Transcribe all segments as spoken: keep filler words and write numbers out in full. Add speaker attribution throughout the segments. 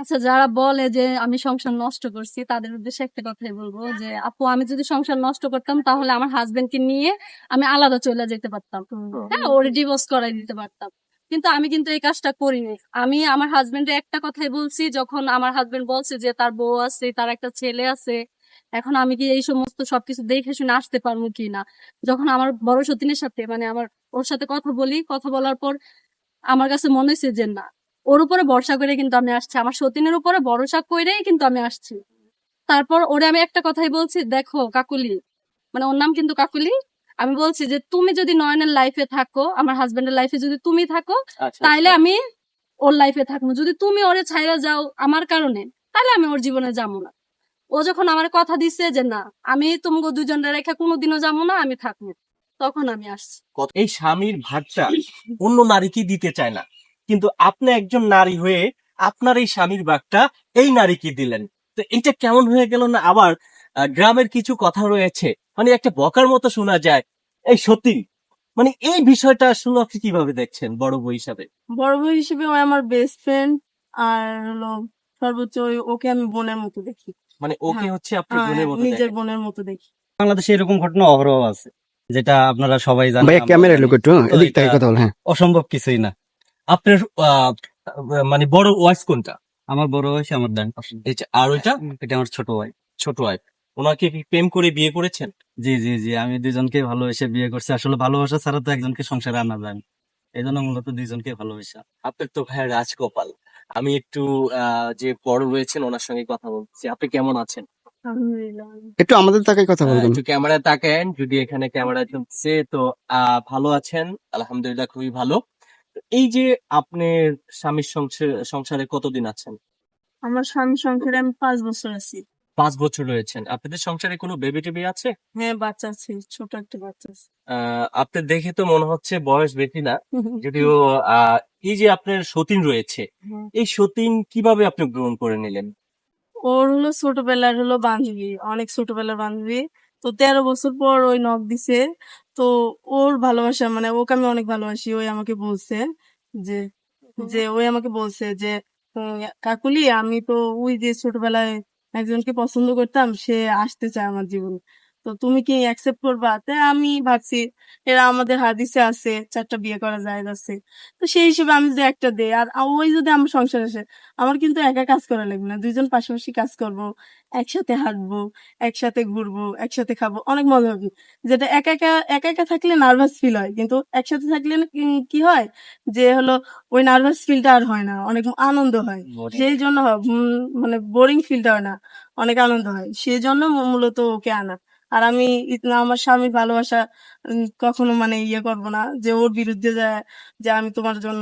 Speaker 1: আচ্ছা, যারা বলে যে আমি সংসার নষ্ট করছি তাদের উদ্দেশ্যে একটা কথাই বলবো যে আপু, আমি যদি সংসার নষ্ট করতাম তাহলে আমার হাজবেন্ডকে নিয়ে আমি আলাদা চলে যেতে পারতাম, হ্যাঁ, ওরে ডিভোর্স করাই দিতে পারতাম। কিন্তু আমি কিন্তু এই কাজটা করিনি। আমি আমার হাজবেন্ডের একটা কথাই বলছি, যখন আমার হাজবেন্ড বলছে যে তার বউ আছে, তার একটা ছেলে আছে, এখন আমি কি এই সমস্ত সবকিছু দেখে শুনে আসতে পারবো কিনা। যখন আমার বড় সতীনের সাথে মানে আমার ওর সাথে কথা বলি, কথা বলার পর আমার কাছে মনে হয়েছে যে না, ওর উপরে ভরসা করে কিন্তু আমি আসছি, আমার সতীনের উপরে ভরসা করেই কিন্তু আমি আসছি। তারপর ওরে আমি একটা কথাই বলছি, দেখো কাকুলি, মানে ওর নাম কিন্তু কাকুলি, আমি বলছি যে তুমি যদি নয়নের লাইফে থাকো, আমার হাজবেন্ডের লাইফে যদি তুমি থাকো,
Speaker 2: আচ্ছা
Speaker 1: তাইলে
Speaker 2: আচ্ছা
Speaker 1: আমি ওর লাইফে থাকবো। যদি তুমি ওরে ছাইরা যাও আমার কারণে, তাহলে আমি ওর জীবনে যাবো না। ও যখন আমার কথা দিছে যে না, আমি তোমাকে দুজনের রেখা কোনোদিনও যাবো না, আমি থাকবো, তখন আমি আসছি।
Speaker 2: কত- এই স্বামীর ভাগটা অন্য নারীকে দিতে চায় না, কিন্তু আপনি একজন নারী হয়ে আপনার এই স্বামীর ভাগটা এই নারীকে দিলেন। তো এটা কেমন হয়ে গেল না? আবার আহ, গ্রামের কিছু কথা রয়েছে, মানে একটা বকার মতো শোনা যায়। এই সত্যি, মানে এই বিষয়টা শুনে আপনি কিভাবে দেখছেন বড় বউ হিসাবে?
Speaker 3: বড় ভাই হিসেবে ও আমার বেস্ট ফ্রেন্ড। আর হলো সর্বোচ্চ ওই- ওকে আমি বোনের মতো দেখি।
Speaker 2: মানে ওকে
Speaker 3: হ্যাঁ,
Speaker 2: হচ্ছে আপনার
Speaker 3: হ্যাঁ,
Speaker 2: বোনের মতো
Speaker 3: নিজের
Speaker 2: দেখেন?
Speaker 3: বোনের মতো দেখি।
Speaker 4: বাংলাদেশে এরকম ঘটনা অহরহ আছে, যেটা আপনারা সবাই জানেন,
Speaker 5: ভাইয়া
Speaker 4: আমরাও
Speaker 5: ক্যামেরা
Speaker 4: জানি।
Speaker 5: লোক একটু
Speaker 4: তো
Speaker 5: এদিক
Speaker 4: এটা
Speaker 5: থেকে কথা বল। হ্যাঁ,
Speaker 4: অসম্ভব কিছুই না।
Speaker 2: আপনার আহ, মানে বড় ওয়াইফ কোনটা?
Speaker 4: আমার বড় হয়েছে আমার ডান পাশে।
Speaker 2: এটা আর ওইটা
Speaker 4: এটা আমার ছোট ভাই।
Speaker 2: ছোট ওয়াইফ। ওনাকে কি প্রেম করে বিয়ে করেছেন?
Speaker 4: জি জি জি, আমি দুজনকে ভালোবেসে বিয়ে করছি। আসলে ভালোবাসা ছাড়া তো একজনকে সংসারে আনা যায় না, এই জন্য মূলত দুইজনকে ভালোবাসা।
Speaker 2: আপনার তো ভাই রাজকপাল। আমি একটু আহ, যে বড় রয়েছেন ওনার সঙ্গে কথা বলছি। আপনি কেমন আছেন?
Speaker 3: আলহামদুলিল্লাহ।
Speaker 5: একটু আমাদের তাকে কথা
Speaker 2: আহ,
Speaker 5: বলবেন।
Speaker 2: একটু ক্যামেরায় তাকায়েন, যদি এখানে ক্যামেরা চলছে তো। আহ, ভালো আছেন? আলহামদুলিল্লাহ, খুবই ভালো। তো এই যে আপনার স্বামীর সংসার সংসারে কতদিন আছেন?
Speaker 3: আমার স্বামী সংসারে আমি পাঁচ বছর আছি।
Speaker 2: পাঁচ বছর রয়েছেন। আপনাদের সংসারে কোনো বেবি টেবি আছে?
Speaker 3: হ্যাঁ, বাচ্চা আছে, ছোট একটা বাচ্চা আছে।
Speaker 2: আহ আপনার দেখে তো মনে হচ্ছে বয়স বেশি না, যদিও আহ এই যে আপনার সতীন রয়েছে,
Speaker 3: হ্যাঁ।
Speaker 2: এই সতীন কিভাবে আপনি গ্রহণ করে নিলেন?
Speaker 3: ওর হলো ছোটবেলার হলো বান্ধবী, অনেক ছোটবেলার বান্ধবী। তো তেরো বছর পর ওই নক দিছে। তো ওর ভালোবাসা মানে ওকে আমি অনেক ভালোবাসি। ওই আমাকে বলছে যে যে ওই আমাকে বলছে যে উম, কাকুলি, আমি তো ওই যে ছোটবেলায় একজনকে পছন্দ করতাম, সে আসতে চায় আমার জীবনে। তো তুমি কি অ্যাকসেপ্ট করবা? তাই আমি ভাবছি এরা আমাদের হাদিসে আছে চারটা বিয়ে করা যায় আছে। তো সেই হিসেবে আমি যদি একটা দেই আর ওই যদি আমার সংসার আসে, আমার কিন্তু একা কাজ করা লাগবে না, দুইজন পাশাপাশি কাজ করব, একসাথে হাঁটবো, একসাথে ঘুরবো, একসাথে খাবো, অনেক মজা হবে। যেটা একা একা একা একা থাকলে নার্ভাস ফিল হয়, কিন্তু একসাথে থাকলে না কি- কি হয় যে হলো ওই নার্ভাস ফিলটা আর হয় না, অনেক আনন্দ হয়। সেই জন্য হয়, উম, মানে বোরিং ফিলটা হয় না, অনেক আনন্দ হয়, সেই জন্য মূ- মূলত ওকে আনা। আর আমি ইত- আমার স্বামীর ভালোবাসা উম, কখনো মানে ইয়ে করবো না যে ওর বিরুদ্ধে যায় যে আমি তোমার জন্য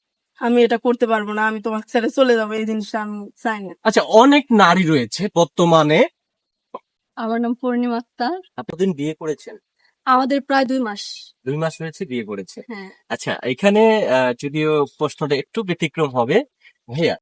Speaker 3: আমি এটা করতে পারবো না, আমি তোমার ছেড়ে চলে যাবো, এই জিনিসটা আমি চাই না।
Speaker 2: আচ্ছা, অনেক নারী রয়েছে বর্তমানে।
Speaker 1: আমার নাম পূর্ণিমা আক্তার।
Speaker 2: এতদিন বিয়ে করেছেন?
Speaker 1: আমাদের প্রায় দুই মাস।
Speaker 2: দুই মাস হয়েছে বিয়ে করেছে।
Speaker 1: হ্যাঁ।
Speaker 2: আচ্ছা, এখানে আহ, যদিও প্রশ্নটা একটু ব্যতিক্রম হবে, ভাইয়া